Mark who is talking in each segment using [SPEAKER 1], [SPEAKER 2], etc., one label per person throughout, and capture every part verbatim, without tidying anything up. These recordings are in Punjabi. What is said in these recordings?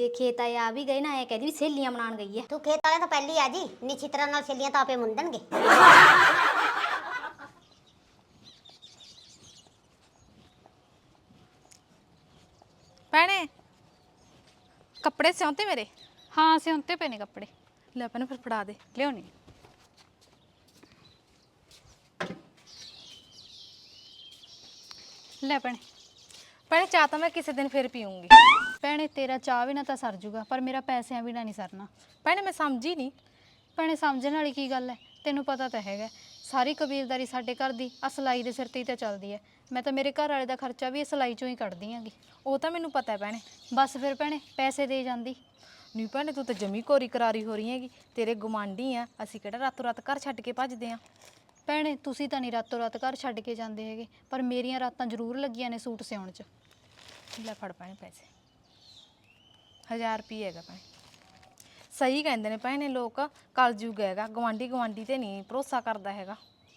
[SPEAKER 1] ਖੇਤ ਆਏ ਆ ਵੀ ਗਏ ਨਾ, ਐ ਕਹਿੰਦੀ ਵੀ ਸਹੇਲੀਆਂ ਮਨਾਉਣ ਗਈ ਐ।
[SPEAKER 2] ਤੂੰ ਖੇਤ ਵਾਲੇ ਤਾਂ ਪਹਿਲੀ ਆ ਜੀ, ਨਿੱਛੀ ਤਰ੍ਹਾਂ ਨਾਲ ਸਹੇਲੀਆਂ ਤਾਂ ਆਪੇ ਮੁੰਡਣਗੇ।
[SPEAKER 3] ਭੈਣੇ ਕੱਪੜੇ ਸਿਉਂਤੇ ਮੇਰੇ?
[SPEAKER 4] ਹਾਂ ਸਿਉਂਤੇ ਪਏ ਨੇ ਕੱਪੜੇ।
[SPEAKER 3] ਲੈ ਭੈਣੇ ਫਿਰ ਫੜਾ ਦੇ।
[SPEAKER 4] ਲਿਆਉਣੀ। ਲੈ ਭੈਣੇ।
[SPEAKER 3] ਭੈਣੇ ਚਾਹ ਤਾਂ ਮੈਂ ਕਿਸੇ ਦਿਨ ਫਿਰ ਪੀਊਂਗੀ।
[SPEAKER 4] ਭੈਣੇ ਤੇਰਾ ਚਾਹ ਵੀ ਨਾ ਤਾਂ ਸਰ ਜੂਗਾ, ਪਰ ਮੇਰਾ ਪੈਸਿਆਂ ਵੀ ਨਾ ਨਹੀਂ ਸਰਨਾ।
[SPEAKER 3] ਭੈਣੇ ਮੈਂ ਸਮਝੀ ਨਹੀਂ।
[SPEAKER 4] ਭੈਣੇ ਸਮਝਣ ਵਾਲੀ ਕੀ ਗੱਲ ਹੈ, ਤੈਨੂੰ ਪਤਾ ਤਾਂ ਹੈਗਾ ਸਾਰੀ ਕਬੀਲਦਾਰੀ ਸਾਡੇ ਘਰ ਦੀ ਆ ਸਿਲਾਈ ਦੇ ਸਿਰ ਤੇ ਹੀ ਤਾਂ ਚੱਲਦੀ ਹੈ। ਮੈਂ ਤਾਂ ਮੇਰੇ ਘਰ ਵਾਲੇ ਦਾ ਖਰਚਾ ਵੀ ਇਹ ਸਿਲਾਈ ਚੋਂ ਹੀ ਕੱਢਦੀ ਆਂਗੀ।
[SPEAKER 3] ਉਹ ਤਾਂ ਮੈਨੂੰ ਪਤਾ ਹੈ ਭੈਣੇ।
[SPEAKER 4] ਬਸ ਫਿਰ ਭੈਣੇ ਪੈਸੇ ਦੇ ਜਾਂਦੀ।
[SPEAKER 3] ਨਹੀਂ ਭੈਣੇ ਤੂੰ ਤਾਂ ਜਮੀ ਕੋਰੀ ਕਰਾਰੀ ਹੋ ਰਹੀ ਹੈਗੀ। ਤੇਰੇ ਗੁਆਂਢੀ ਆ, ਅਸੀਂ ਕਿਹੜਾ ਰਾਤੋਂ ਰਾਤ ਘਰ ਛੱਡ ਕੇ ਭੱਜਦੇ ਆਂ।
[SPEAKER 4] ਭੈਣੇ ਤੁਸੀਂ ਤਾਂ ਨਹੀਂ ਰਾਤੋਂ ਰਾਤ ਘਰ ਛੱਡ ਕੇ ਜਾਂਦੇ ਹੈਗੇ, ਪਰ ਮੇਰੀਆਂ ਰਾਤਾਂ ਜ਼ਰੂਰ ਲੱਗੀਆਂ ਨੇ ਸੂਟ ਸਿਉਣ 'ਚ।
[SPEAKER 3] ਲੈ ਫੜ ਭੈਣੇ ਪੈਸੇ, ਹਜ਼ਾਰ ਰੁਪਏ ਹੈਗਾ ਭੈਣੇ। ਸਹੀ ਕਹਿੰਦੇ ਨੇ ਭੈਣੇ ਲੋਕ, ਕਲਯੁੱਗ ਹੈਗਾ, ਗੁਆਂਢੀ ਗੁਆਂਢੀ ਤੇ ਨਹੀਂ ਭਰੋਸਾ ਕਰਦਾ ਹੈਗਾ।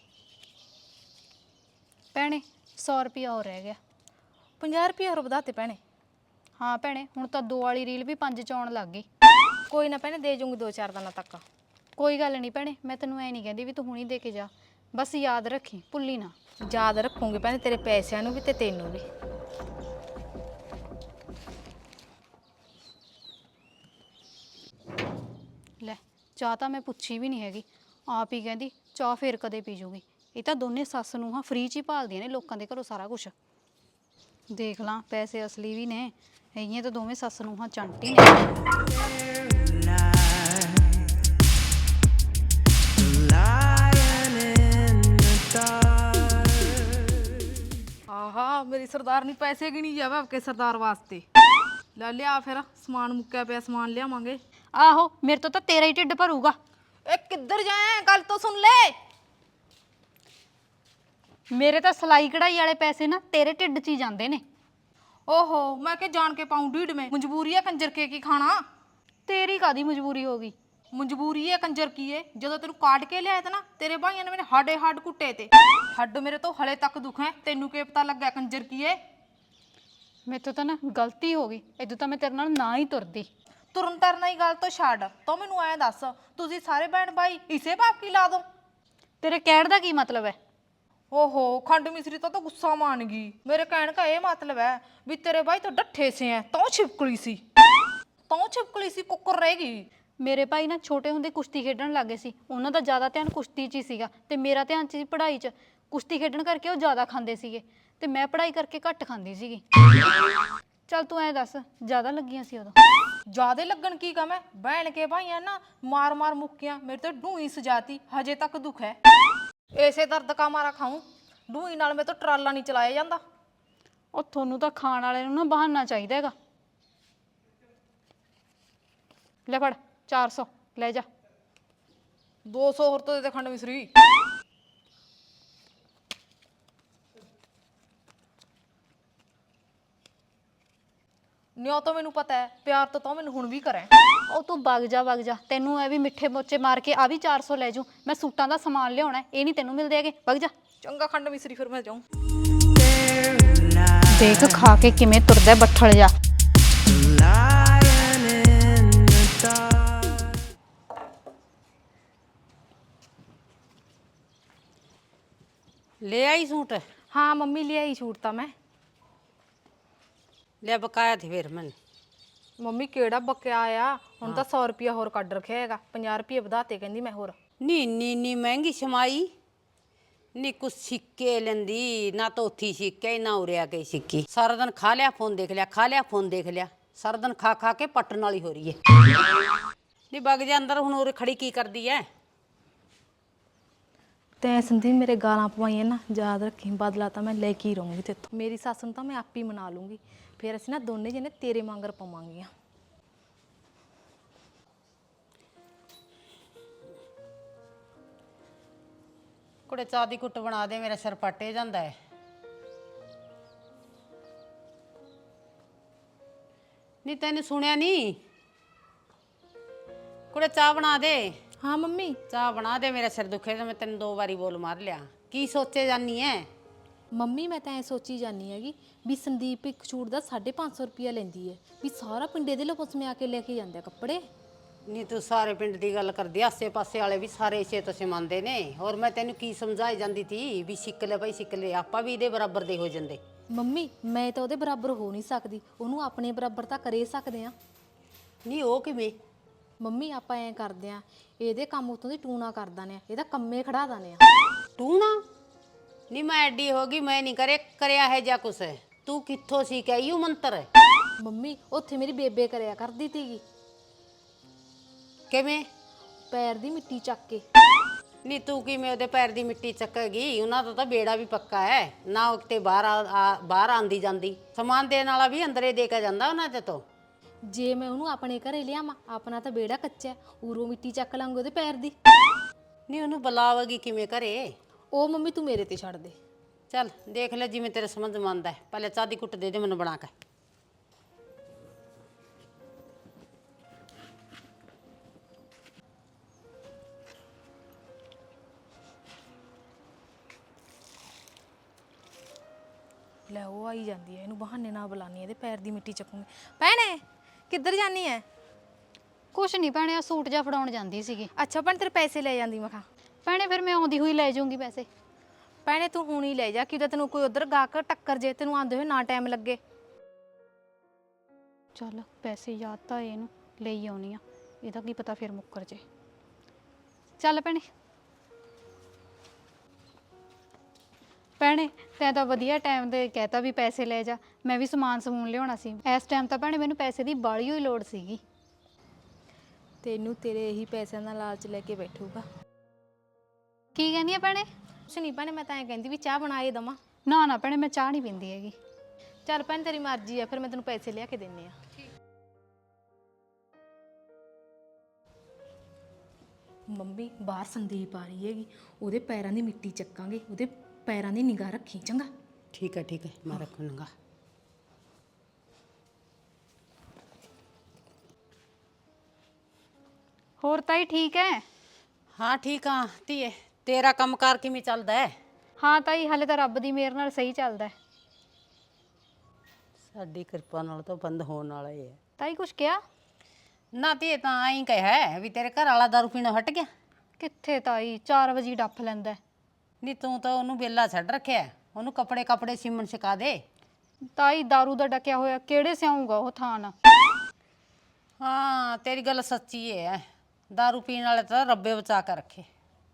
[SPEAKER 4] ਭੈਣੇ ਸੌ ਰੁਪਇਆ ਹੋਰ ਰਹਿ ਗਿਆ।
[SPEAKER 3] ਪੰਜਾਹ ਰੁਪਏ ਹੋਰ ਵਧਾਤੇ ਭੈਣੇ।
[SPEAKER 4] ਹਾਂ ਭੈਣੇ ਹੁਣ ਤਾਂ ਦੋ ਵਾਲੀ ਰੀਲ ਵੀ ਪੰਜ 'ਚ ਆਉਣ ਲੱਗ ਗਈ।
[SPEAKER 3] ਕੋਈ ਨਾ ਭੈਣੇ ਦੇ ਜੂੰਗੀ ਦੋ ਚਾਰ ਦਿਨਾਂ ਤੱਕ।
[SPEAKER 4] ਕੋਈ ਗੱਲ ਨਹੀਂ ਭੈਣੇ, ਮੈਂ ਤੈਨੂੰ ਐ ਨਹੀਂ ਕਹਿੰਦੀ ਵੀ ਤੂੰ ਹੁਣੀ ਦੇ ਕੇ ਜਾ, ਬਸ ਯਾਦ ਰੱਖੀ ਭੁੱਲੀ ਨਾ।
[SPEAKER 3] ਯਾਦ ਰੱਖੂੰਗੀ ਭੈਣੇ ਤੇਰੇ ਪੈਸਿਆਂ ਨੂੰ ਵੀ ਤੇ ਤੈਨੂੰ ਵੀ।
[SPEAKER 4] ਲੈ ਚਾਹ ਤਾਂ ਮੈਂ ਪੁੱਛੀ ਵੀ ਨਹੀਂ ਹੈਗੀ, ਆਪ ਹੀ ਕਹਿੰਦੀ ਚਾਹ ਫੇਰ ਕਦੇ ਪੀ ਜੂਗੀ। ਇਹ ਤਾਂ ਦੋਨੇ ਸੱਸ ਨੂੰ ਹਾਂ ਫ੍ਰੀ 'ਚ ਹੀ ਭਾਲਦੀਆਂ ਨੇ ਲੋਕਾਂ ਦੇ ਘਰੋਂ ਸਾਰਾ ਕੁਛ। ਦੇਖ ਲਾਂ ਪੈਸੇ ਅਸਲੀ ਵੀ ਨੇ, ਹੈਗੀਆਂ ਤਾਂ ਦੋਵੇਂ ਸੱਸ ਨੂੰ ਹਾਂ ਚੰਟੀ ਨੇ।
[SPEAKER 3] ਆਹਾ ਮੇਰੀ ਸਰਦਾਰਨੀ ਪੈਸੇ ਗਿਣੀ ਜਾਵੇ ਆਪਕੇ ਸਰਦਾਰ ਵਾਸਤੇ। ਲੈ ਲਿਆ ਫਿਰ, ਸਮਾਨ ਮੁੱਕਿਆ ਪਿਆ, ਸਮਾਨ ਲਿਆਵਾਂਗੇ।
[SPEAKER 4] ਆਹੋ ਮੇਰੇ ਤੋਂ ਤਾਂ ਤੇਰਾ ਹੀ ਢਿੱਡ ਭਰੂਗਾ।
[SPEAKER 3] ਇਹ ਕਿੱਧਰ ਜਾਏ, ਗੱਲ ਤਾਂ ਸੁਣ ਲੈ।
[SPEAKER 4] ਮੇਰੇ ਤਾਂ ਸਿਲਾਈ ਕਢਾਈ ਵਾਲੇ ਪੈਸੇ ਨਾ ਤੇਰੇ ਢਿੱਡ 'ਚ ਹੀ ਜਾਂਦੇ ਨੇ।
[SPEAKER 3] ਓਹੋ ਮੈਂ ਕਿ ਜਾਣ ਕੇ ਪਾਉਂ ਢੀਡ में, ਮਜਬੂਰੀ ਹੈ ਕੰਜਰ ਕੇ ਕੀ ਖਾਣਾ।
[SPEAKER 4] ਤੇਰੀ ਕਾਦੀ ਮਜਬੂਰੀ ਹੋ ਗਈ?
[SPEAKER 3] ਮਜਬੂਰੀ ਹੈ ਕੰਜਰ ਕੀ ਏ, ਜਦੋਂ ਤੈਨੂੰ ਕਾਟ ਕੇ ਲਿਆਇਆ ਤਾ ਨਾ ਤੇਰੇ ਭਾਈਆਂ ਨੇ ਮੇਰੇ ਹਾਡੇ ਹੱਡ ਕੁੱਟੇ ਤੇ। ਹੱਡ ਮੇਰੇ ਤੋਂ ਹਲੇ ਤੱਕ ਦੁਖੇ, ਤੈਨੂੰ ਕੀ ਪਤਾ ਲੱਗਿਆ ਕੰਜਰ ਕੀ ਏ।
[SPEAKER 4] ਮੇਰੇ ਤੋਂ ਤਾਂ ਨਾ ਗਲਤੀ ਹੋ ਗਈ, ਇਦੋਂ ਤਾਂ ਮੈਂ ਤੇਰੇ ਨਾਲ ਨਾ ਹੀ ਤੁਰਦੀ।
[SPEAKER 3] ਤੁਰਨ ਤਰਨਾ ਹੀ ਗੱਲ ਤੋਂ ਛੱਡ, ਤੂੰ ਮੈਨੂੰ ਐਂ ਦੱਸ ਤੁਸੀਂ ਸਾਰੇ ਭੈਣ ਭਾਈ ਇਸੇ ਬਾਪ ਕੀ ਲਾ ਦੋ?
[SPEAKER 4] ਤੇਰੇ ਕਹਿਣ ਦਾ ਕੀ ਮਤਲਬ ਹੈ?
[SPEAKER 3] ਓਹੋ ਖੰਡ ਮਿਸਰੀ ਤਾਂ ਤਾਂ ਗੁੱਸਾ ਮਾਨ ਗਈ। ਮੇਰੇ ਕਹਿਣ ਦਾ ਇਹ ਮਤਲਬ ਹੈ ਵੀ ਤੇਰੇ ਭਾਈ ਤਾਂ ਡੱਠੇ ਸੇ ਐ, ਤੂੰ ਛਿਪਕਲੀ ਸੀ, ਤੂੰ ਛਿਪਕਲੀ ਸੀ, ਕੁੱਕਰ ਰਹਿ ਗਈ।
[SPEAKER 4] ਮੇਰੇ ਭਾਈ ਨਾ ਛੋਟੇ ਹੁੰਦੇ ਕੁਸ਼ਤੀ ਖੇਡਣ ਲੱਗੇ ਸੀ, ਉਹਨਾਂ ਦਾ ਜ਼ਿਆਦਾ ਧਿਆਨ ਕੁਸ਼ਤੀ 'ਚ ਹੀ ਸੀਗਾ ਤੇ ਮੇਰਾ ਧਿਆਨ ਸੀ ਪੜ੍ਹਾਈ 'ਚ। ਕੁਸ਼ਤੀ ਖੇਡਣ ਕਰਕੇ ਉਹ ਜ਼ਿਆਦਾ ਖਾਂਦੇ ਸੀਗੇ ਤੇ ਮੈਂ ਪੜ੍ਹਾਈ ਕਰਕੇ ਘੱਟ ਖਾਂਦੀ ਸੀਗੀ। ਚੱਲ ਤੂੰ ਐਂ ਦੱਸ ਜ਼ਿਆਦਾ ਲੱਗੀਆਂ ਸੀ ਉਦੋਂ?
[SPEAKER 3] ਜਿਆਦੇ ਲੱਗਣ ਕੀ ਕਮ ਹੈ, ਭੈਣ ਕੇ ਭਾਈਆਂ ਨਾ ਮਾਰ ਮਾਰ ਮੁੱਕੀਆਂ, ਮੇਰੇ ਤੇ ਢੂਈ ਸਜਾਤੀ, ਹਜੇ ਤੱਕ ਦੁੱਖ ਹੈ। ਇਸੇ ਦਰਦ ਕਾ ਮਾਰਾ ਖਾਊਂ, ਢੂਈ ਨਾਲ ਮੇਰੇ ਤੋਂ ਟਰਾਲਾ ਨਹੀਂ ਚਲਾਇਆ ਜਾਂਦਾ।
[SPEAKER 4] ਉਹ ਤੁਹਾਨੂੰ ਤਾਂ ਖਾਣ ਵਾਲੇ ਨੂੰ ਨਾ ਬਹਾਨਾ ਚਾਹੀਦਾ ਹੈਗਾ। ਲੈ ਫੜ ਚਾਰ ਸੌ ਲੈ ਜਾ।
[SPEAKER 3] ਦੋ ਸੌ ਹੋਰ ਤੋਂ ਦੇ ਦੇ ਖੰਡ ਮਿਸਰੀ। ਨਿਉ ਤਾਂ ਮੈਨੂੰ ਪਤਾ ਹੈ, ਪਿਆਰ ਤਾਂ ਤੂੰ ਮੈਨੂੰ ਹੁਣ ਵੀ ਕਰੇ।
[SPEAKER 4] ਉਹ ਤੂੰ ਵਗ ਜਾ ਵਗ ਜਾ, ਤੈਨੂੰ ਐ ਵੀ ਮਿੱਠੇ ਮੋਚੇ ਮਾਰ ਕੇ ਆ ਵੀ ਚਾਰ ਸੌ ਲੈ ਜੂ। ਮੈਂ ਸੂਟਾਂ ਦਾ ਸਮਾਨ ਲਿਆਉਣਾ, ਇਹ ਨਹੀਂ ਤੈਨੂੰ ਮਿਲਦੇ ਹੈਗੇ, ਵਗ ਜਾ।
[SPEAKER 3] ਚੰਗਾ ਖੰਡ ਮਿਸਰੀ ਫਿਰ ਮੈਂ ਜਾਊਂ।
[SPEAKER 4] ਦੇਖ ਖਾ ਕੇ ਕਿਵੇਂ ਤੁਰਦਾ ਬੱਠਲ ਜਾ।
[SPEAKER 5] ले आई सूट?
[SPEAKER 3] हाँ मम्मी ले आई छूट ਤਾਂ ਮੈਂ।
[SPEAKER 5] ले बकाया थे फिर मैंने।
[SPEAKER 3] ਮੰਮੀ ਕਿਹੜਾ ਬਕਿਆ ਆ, ਹੁਣ ਤਾਂ ਸੌ ਰੁਪਿਆ ਹੋਰ ਕੱਢ ਰੱਖਿਆ ਹੈਗਾ, ਪੰਜਾਹ ਰੁਪਏ ਵਧਾਤੇ ਕਹਿੰਦੀ ਮੈਂ ਹੋਰ।
[SPEAKER 5] नी नी नी महंगी छमाई नी, कुछ सिक्के लेंदी ना, तो उथी सिक्के ना उरिया के सिक्की। सारा दिन खा लिया फोन देख लिया, खा लिया फोन देख लिया, सारा दिन खा खा के पटन वाली हो रही है। नी बग जा अंदर, हुण उरे खड़ी की कर दी है।
[SPEAKER 3] ਤੈਂ ਸੰਦੀਪ ਮੇਰੇ ਗਾਲਾਂ ਪਵਾਈਆਂ ਨਾ, ਯਾਦ ਰੱਖੀ ਬਦਲਾ ਤਾਂ ਮੈਂ ਲੈ ਕੇ ਹੀ ਰਹੂੰਗੀ ਤੇਥੋਂ। ਮੇਰੀ ਸੱਸ ਨੂੰ ਤਾਂ ਮੈਂ ਆਪ ਹੀ ਮਨਾ ਲੂੰਗੀ, ਫਿਰ ਅਸੀਂ ਨਾ ਦੋਨੇ ਜਿਹਨੇ ਤੇਰੇ ਮੰਗਰ ਪਵਾਂਗੀਆਂ।
[SPEAKER 5] कुड़े चाह दी कुट बना दे, मेरा सिर पटे जांदा है। नी तैनू सुनिया नी? कुड़े चाह बना दे।
[SPEAKER 3] हाँ मम्मी।
[SPEAKER 5] चाह बना दे, मेरा सिर दुखे तो मैं तेन दो बारी बोल मार लिया। की सोचे जानी है?
[SPEAKER 3] ਮੰਮੀ ਮੈਂ ਤਾਂ ਐ ਸੋਚੀ ਜਾਨੀ ਹੈਗੀ ਵੀ ਸੰਦੀਪ ਇੱਕ ਛੂਟ ਦਾ ਸਾਢੇ ਪੰਜ ਸੌ ਰੁਪਿਆ ਲੈਂਦੀ ਹੈ ਵੀ ਸਾਰਾ ਪਿੰਡੇ ਦੇ ਲੋਕ ਸਮਿਆ ਕੇ ਲੈ ਕੇ ਜਾਂਦੇ ਆ ਕੱਪੜੇ।
[SPEAKER 5] ਨਹੀਂ ਤੂੰ ਸਾਰੇ ਪਿੰਡ ਦੀ ਗੱਲ ਕਰਦੀ ਆ, ਆਸੇ ਪਾਸੇ ਵਾਲੇ ਵੀ ਸਾਰੇ ਇਸੇ ਤੋਂ ਸਿਮਾਂਦੇ ਨੇ। ਹੋਰ ਮੈਂ ਤੈਨੂੰ ਕੀ ਸਮਝਾਈ ਜਾਂਦੀ ਤੀ ਵੀ ਸਿੱਕ ਲੈ ਭਾਈ ਸਿੱਕ ਲੈ, ਆਪਾਂ ਵੀ ਇਹਦੇ ਬਰਾਬਰ ਦੇ ਹੋ ਜਾਂਦੇ।
[SPEAKER 3] ਮੰਮੀ ਮੈਂ ਤਾਂ ਉਹਦੇ ਬਰਾਬਰ ਹੋ ਨਹੀਂ ਸਕਦੀ, ਉਹਨੂੰ ਆਪਣੇ ਬਰਾਬਰ ਤਾਂ ਕਰੇ ਸਕਦੇ ਆ।
[SPEAKER 5] ਨਹੀਂ ਉਹ ਕਿਵੇਂ?
[SPEAKER 3] ਮੰਮੀ ਆਪਾਂ ਐਂ ਕਰਦੇ ਆ, ਇਹਦੇ ਕੰਮ ਉਤੋਂ ਦੀ ਟੂਣਾ ਕਰ ਦਾਨੇ ਆ, ਇਹਦਾ ਕੰਮੇ ਖੜਾ ਦਾਨੇ ਆ।
[SPEAKER 5] ਤੂੰ ਨਾ ਨਹੀਂ ਮੈਂ ਐਡੀ ਹੋ ਗਈ, ਮੈਂ ਨਹੀਂ ਕਰੇ ਕਰਿਆ ਹੈ ਜਾਂ ਕੁਛ। ਤੂੰ ਕਿੱਥੋਂ ਸੀ ਕਿ ਇਹੋ ਮੰਤਰ ਹੈ?
[SPEAKER 3] ਮੰਮੀ ਉੱਥੇ ਮੇਰੀ ਬੇਬੇ ਕਰਿਆ ਕਰਦੀ ਤੀਗੀ,
[SPEAKER 5] ਕਿਵੇਂ?
[SPEAKER 3] ਪੈਰ ਦੀ ਮਿੱਟੀ ਚੱਕ ਕੇ।
[SPEAKER 5] ਨਹੀਂ ਤੂੰ ਕਿਵੇਂ ਉਹਦੇ ਪੈਰ ਦੀ ਮਿੱਟੀ ਚੱਕੇਗੀ? ਉਹਨਾਂ ਦਾ ਤਾਂ ਬੇੜਾ ਵੀ ਪੱਕਾ ਹੈ ਨਾ, ਉਹ ਕਿਤੇ ਬਾਹਰ ਆ- ਬਾਹਰ ਆਂਦੀ ਜਾਂਦੀ। ਸਮਾਨ ਦੇਣ ਵਾਲਾ ਵੀ ਅੰਦਰੇ ਦੇ ਕੇ ਜਾਂਦਾ ਉਹਨਾਂ ਤੇ। ਤੋਂ
[SPEAKER 3] ਜੇ ਮੈਂ ਉਹਨੂੰ ਆਪਣੇ ਘਰੇ ਲਿਆਵਾਂ, ਆਪਣਾ ਤਾਂ ਬੇੜਾ ਕੱਚਾ, ਉਰੋਂ ਮਿੱਟੀ ਚੱਕ ਲਾਂਗੇ ਉਹਦੇ ਪੈਰ ਦੀ।
[SPEAKER 5] ਨਹੀਂ ਉਹਨੂੰ ਬੁਲਾਵੇਗੀ ਕਿਵੇਂ ਘਰੇ?
[SPEAKER 3] ਉਹ ਮੰਮੀ ਤੂੰ ਮੇਰੇ ਤੇ ਛੱਡ ਦੇ।
[SPEAKER 5] ਚੱਲ ਦੇਖ ਲੈ ਜਿਵੇਂ ਤੇਰੇ ਸਮਝ ਮੰਨਦਾ ਹੈ। ਪਹਿਲੇ ਚਾਹ ਦੀ ਕੁੱਟ ਦੇ ਦੇ ਮੈਨੂੰ ਬਣਾ ਕੇ।
[SPEAKER 3] ਲੈ ਉਹ ਆਈ ਜਾਂਦੀ ਹੈ, ਇਹਨੂੰ ਬਹਾਨੇ ਨਾਲ ਬੁਲਾਨੀ ਹੈ, ਇਹਦੇ ਪੈਰ ਦੀ ਮਿੱਟੀ ਚੱਕੂਗੀ। ਭੈਣੇ ਕਿੱਧਰ ਜਾਨੀ ਹੈ?
[SPEAKER 4] ਕੁਛ ਨਹੀਂ ਭੈਣੇ, ਆ ਸੂਟ ਜਾ ਫੜਾਉਣ ਜਾਂਦੀ ਸੀਗੀ।
[SPEAKER 3] ਅੱਛਾ ਭੈਣੇ ਤੇਰੇ ਪੈਸੇ ਲੈ ਜਾਂਦੀ ਮੈਂ ਕਿਹਾ।
[SPEAKER 4] ਭੈਣੇ ਫਿਰ ਮੈਂ ਆਉਂਦੀ ਹੋਈ ਲੈ ਜਾਊਂਗੀ ਪੈਸੇ।
[SPEAKER 3] ਭੈਣੇ ਤੂੰ ਹੁਣ ਹੀ ਲੈ ਜਾ, ਕਿਤੇ ਤੈਨੂੰ ਕੋਈ ਉਧਰ ਗਾਹਕ ਟੱਕਰ ਜੇ, ਤੈਨੂੰ ਆਂਦੇ ਹੋਏ ਨਾ ਟਾਈਮ ਲੱਗੇ।
[SPEAKER 4] ਚੱਲ ਪੈਸੇ ਯਾਦ ਤਾਂ ਇਹਨੂੰ ਲਈ ਆਉਣੀ ਆ, ਇਹਦਾ ਕੀ ਪਤਾ ਫਿਰ ਮੁੱਕਰ ਜੇ। ਚੱਲ ਭੈਣੇ। ਭੈਣੇ ਤੈਂ ਤਾਂ ਵਧੀਆ ਟਾਈਮ ਦੇ ਕਹਿਤਾ ਵੀ ਪੈਸੇ ਲੈ ਜਾ, ਮੈਂ ਵੀ ਸਮਾਨ ਸਮੂਨ ਲਿਆਉਣਾ ਸੀ। ਇਸ ਟਾਈਮ ਤਾਂ ਭੈਣੇ ਮੈਨੂੰ ਪੈਸੇ ਦੀ ਬਾਲੀ ਹੋਈ ਲੋੜ ਸੀਗੀ।
[SPEAKER 3] ਤੈਨੂੰ ਤੇਰੇ ਇਹੀ ਪੈਸਿਆਂ ਦਾ ਲਾਲਚ ਲੈ ਕੇ ਬੈਠੂਗਾ।
[SPEAKER 4] ਕੀ ਕਹਿੰਦੀ ਆ ਭੈਣੇ?
[SPEAKER 3] ਕੁਛ ਨਹੀਂ ਭੈਣੇ, ਮੈਂ ਤਾਂ ਐਂ ਕਹਿੰਦੀ ਵੀ ਚਾਹ ਬਣਾਏ ਦਵਾਂ।
[SPEAKER 4] ਨਾ ਨਾ ਭੈਣੇ ਮੈਂ ਚਾਹ ਨਹੀਂ ਪੀਂਦੀ ਹੈਗੀ।
[SPEAKER 3] ਚੱਲ ਭੈਣ ਤੇਰੀ ਮਰਜ਼ੀ ਆ, ਫਿਰ ਮੈਂ ਤੈਨੂੰ ਪੈਸੇ ਲਿਆ ਕੇ ਦਿੰਨੀ ਆ। ਮੰਮੀ ਬਾਹਰ ਸੰਦੀਪ ਆ ਰਹੀ ਹੈਗੀ, ਉਹਦੇ ਪੈਰਾਂ ਦੀ ਮਿੱਟੀ ਚੱਕਾਂਗੇ, ਉਹਦੇ ਪੈਰਾਂ ਦੀ ਨਿਗਾਹ ਰੱਖੀ ਚੰਗਾ।
[SPEAKER 5] ਠੀਕ ਹੈ ਠੀਕ ਹੈ, ਮੈਂ ਰੱਖੂੰਗਾ।
[SPEAKER 4] ਹੋਰ ਤਾਈ ਠੀਕ ਹੈ?
[SPEAKER 5] ਹਾਂ ਠੀਕ ਆ ਧੀਏ, ਤੇਰਾ ਕੰਮਕਾਰ ਕਿਵੇਂ ਚੱਲਦਾ ਹੈ?
[SPEAKER 4] ਹਾਂ ਤਾਈ ਹਾਲੇ ਤਾਂ ਰੱਬ ਦੀ ਮਿਹਰ ਨਾਲ ਸਹੀ ਚੱਲਦਾ ਹੈ।
[SPEAKER 5] ਸਾਡੀ ਕਿਰਪਾ ਨਾਲ ਤਾਂ ਬੰਦ ਹੋਣ ਵਾਲਾ ਹੀ ਹੈ।
[SPEAKER 4] ਤਾਈ ਕੁਛ ਕਿਹਾ?
[SPEAKER 5] ਨਾ ਧੀਏ ਤਾਂ ਆਈ ਕਹਿਆ ਹੈ ਵੀ ਤੇਰੇ ਘਰ ਵਾਲਾ ਦਾਰੂ ਪੀਣੋਂ ਹਟ ਗਿਆ।
[SPEAKER 4] ਕਿੱਥੇ ਤਾਈ, ਚਾਰ ਵਜੇ ਡੱਫ ਲੈਂਦਾ।
[SPEAKER 5] ਨਹੀਂ ਤੂੰ ਤਾਂ ਉਹਨੂੰ ਵਿਹਲਾ ਛੱਡ ਰੱਖਿਆ, ਉਹਨੂੰ ਕੱਪੜੇ ਕੱਪੜੇ ਸਿਮਣ ਸਿਖਾ ਦੇ।
[SPEAKER 4] ਤਾਈ ਦਾਰੂ ਦਾ ਡਕਿਆ ਹੋਇਆ ਕਿਹੜੇ ਸਿਆਊਗਾ ਉਹ ਥਾਨ।
[SPEAKER 5] ਹਾਂ ਤੇਰੀ ਗੱਲ ਸੱਚੀ ਹੈ, ਦਾਰੂ ਪੀਣ ਵਾਲੇ ਤਾਂ ਰੱਬੇ ਬਚਾ ਕੇ ਰੱਖੇ।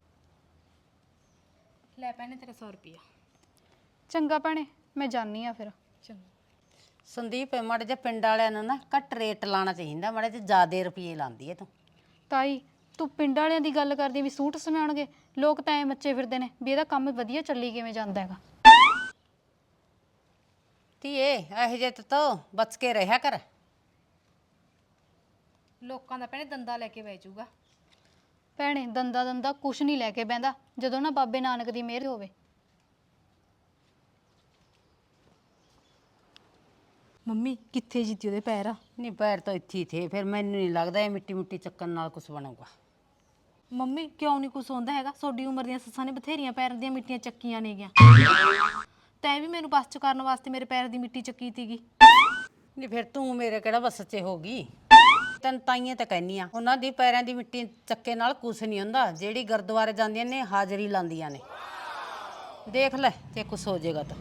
[SPEAKER 3] ਲੈ ਭੈਣੇ ਤੇਰਾ ਸੌ ਰੁਪਿਆ।
[SPEAKER 4] ਚੰਗਾ ਭੈਣੇ ਮੈਂ ਜਾਨੀ ਆ ਫਿਰ।
[SPEAKER 3] ਚੰਗਾ
[SPEAKER 5] ਸੰਦੀਪ ਮਾੜੇ ਜਿਹੇ ਪਿੰਡ ਵਾਲਿਆਂ ਨੂੰ ਨਾ ਘੱਟ ਰੇਟ ਲਾਣਾ ਚਾਹੀਦਾ, ਮਾੜੇ ਜਿਹੇ ਜ਼ਿਆਦੇ ਰੁਪਏ ਲਾਉਂਦੀ ਹੈ ਤੂੰ।
[SPEAKER 4] ਤਾਈ ਤੂੰ ਪਿੰਡ ਵਾਲਿਆਂ ਦੀ ਗੱਲ ਕਰਦੀ ਵੀ ਸੂਟ ਸਮਾਉਣਗੇ, ਲੋਕ ਤਾਂ ਐ ਮੱਚੇ ਫਿਰਦੇ ਨੇ ਵੀ ਇਹਦਾ ਕੰਮ ਵਧੀਆ ਚੱਲੀ ਕਿਵੇਂ ਜਾਂਦਾ ਹੈਗਾ।
[SPEAKER 5] ਧੀਏ ਇਹੋ ਜਿਹੇ ਤੋਂ ਬਚ ਕੇ ਰਿਹਾ ਕਰ।
[SPEAKER 3] ਲੋਕਾਂ ਦਾ ਭੈਣੇ ਦੰਦਾ ਲੈ ਕੇ ਬਹਿ ਜਾਊਗਾ।
[SPEAKER 4] ਭੈਣੇ ਦੰਦਾ ਦੰਦਾ ਕੁਛ ਨਹੀਂ ਲੈ ਕੇ ਬਹਿੰਦਾ ਜਦੋਂ ਨਾ ਬਾਬੇ ਨਾਨਕ ਦੀ ਮਿਹਰ ਹੋਵੇ।
[SPEAKER 3] ਮੰਮੀ ਕਿੱਥੇ ਜੀਤੀ ਉਹਦੇ ਪੈਰ?
[SPEAKER 5] ਨਹੀਂ ਪੈਰ ਤਾਂ ਇੱਥੇ ਹੀ ਥੇ, ਫਿਰ ਮੈਨੂੰ ਨਹੀਂ ਲੱਗਦਾ ਇਹ ਮਿੱਟੀ ਮਿੱਟੀ ਚੱਕਣ ਨਾਲ ਕੁਝ ਬਣੂਗਾ।
[SPEAKER 3] ਮੰਮੀ ਕਿਉਂ ਨਹੀਂ ਕੁਛ ਹੁੰਦਾ ਹੈਗਾ? ਤੁਹਾਡੀ ਉਮਰ ਦੀਆਂ ਸੱਸਾਂ ਨੇ ਬਥੇਰੀਆਂ ਪੈਰ ਦੀਆਂ ਮਿੱਟੀਆਂ ਚੱਕੀਆਂ ਨੇਗੀਆਂ। ਤੈਂ ਵੀ ਮੈਨੂੰ ਬਸ ਚ ਕਰਨ ਵਾਸਤੇ ਮੇਰੇ ਪੈਰ ਦੀ ਮਿੱਟੀ ਚੱਕੀ ਤੀਗੀ।
[SPEAKER 5] ਨਹੀਂ ਫਿਰ ਤੂੰ ਮੇਰੇ ਕਿਹੜਾ ਬਸ 'ਚ ਹੋਗੀ? ਤੈਨੂੰ ਤਾਈਆਂ ਤਾਂ ਕਹਿੰਨੀ ਆ, ਉਹਨਾਂ ਦੀ ਪੈਰਾਂ ਦੀ ਮਿੱਟੀ ਚੱਕੇ ਨਾਲ ਕੁਛ ਨਹੀਂ ਹੁੰਦਾ। ਜਿਹੜੀ ਗੁਰਦੁਆਰੇ ਜਾਂਦੀਆਂ ਨੇ ਹਾਜ਼ਰੀ ਲਾਉਂਦੀਆਂ ਨੇ, ਦੇਖ ਲੈ ਜੇ ਕੁਛ ਹੋ ਜਾਏਗਾ ਤਾਂ।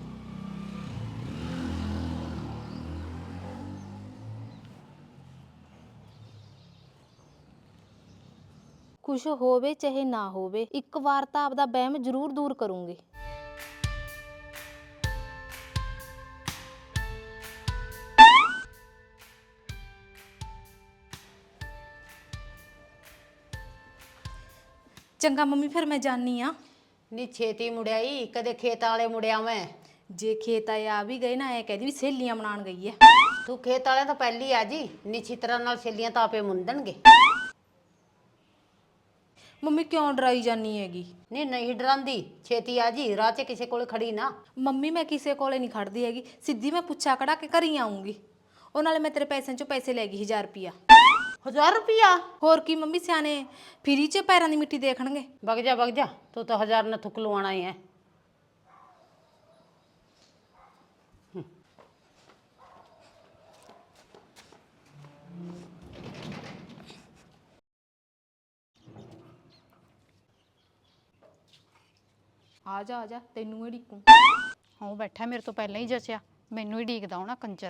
[SPEAKER 3] ਕੁਛ ਹੋਵੇ ਚਾਹੇ ਨਾ ਹੋਵੇ, ਇੱਕ ਵਾਰ ਤਾਂ ਆਪਦਾ ਵਹਿਮ ਜ਼ਰੂਰ ਦੂਰ ਕਰੂੰਗੀ। ਚੰਗਾ ਮੰਮੀ ਫਿਰ ਮੈਂ ਜਾਨੀ ਆ।
[SPEAKER 5] ਨਹੀਂ ਛੇਤੀ ਮੁੜਿਆਈ, ਕਦੇ ਖੇਤ ਵਾਲੇ ਮੁੜਿਆ ਮੈਂ।
[SPEAKER 3] ਜੇ ਖੇਤ ਆਏ ਆ ਵੀ ਗਏ ਨਾ, ਐ ਕਹਦੀ ਵੀ ਸਹੇਲੀਆਂ ਮਨਾਉਣ ਗਈ ਐ।
[SPEAKER 5] ਤੂੰ ਖੇਤ ਵਾਲਿਆਂ ਤਾਂ ਪਹਿਲੀ ਆ ਜੀ, ਨਿੱਛੀ ਤਰ੍ਹਾਂ ਨਾਲ ਛੇਲੀਆਂ ਤਾਂ ਆਪੇ ਮੁੰਦਣਗੇ।
[SPEAKER 3] ਮੰਮੀ ਕਿਉਂ ਡਰਾਈ ਜਾਨੀ ਹੈਗੀ?
[SPEAKER 5] ਨਹੀਂ ਨਹੀਂ ਡਰਾਂਦੀ, ਛੇਤੀ ਆ ਜੀ, ਰਾਹ 'ਚ ਕਿਸੇ ਕੋਲ ਖੜੀ ਨਾ।
[SPEAKER 3] ਮੰਮੀ ਮੈਂ ਕਿਸੇ ਕੋਲੇ ਨਹੀਂ ਖੜਦੀ ਹੈਗੀ, ਸਿੱਧੀ ਮੈਂ ਪੁੱਛਾ ਕਢਾ ਕੇ ਘਰੀ ਆਉਂਗੀ। ਉਹ ਨਾਲੇ ਮੈਂ ਤੇਰੇ ਪੈਸਿਆਂ ਚੋਂ ਪੈਸੇ ਲੈ ਗਈ ਹਜ਼ਾਰ ਰੁਪਿਆ।
[SPEAKER 5] ਹਜ਼ਾਰ ਰੁਪਿਆ?
[SPEAKER 3] ਹੋਰ ਕੀ ਮੰਮੀ, ਸਿਆਣੇ ਫਰੀ 'ਚ ਪੈਰਾਂ ਦੀ ਮਿੱਟੀ ਦੇਖਣਗੇ।
[SPEAKER 5] ਵਗ ਜਾ ਵਗ ਜਾ, ਤੂੰ ਤਾਂ ਹਜ਼ਾਰ ਨਾਲ ਥੁੱਕ ਲਵਾਣਾ ਹੀ ਹੈ।
[SPEAKER 3] ਆ ਜਾ ਆ ਜਾ ਤੈਨੂੰ ਹੀ ਢੀਕੂ।
[SPEAKER 4] ਉਹ ਬੈਠਾ ਮੇਰੇ ਤੋਂ ਪਹਿਲਾਂ ਹੀ ਜਚਿਆ, ਮੈਨੂੰ ਹੀ ਢੀਕਦਾ ਹੋਣਾ ਕੰਜਰ।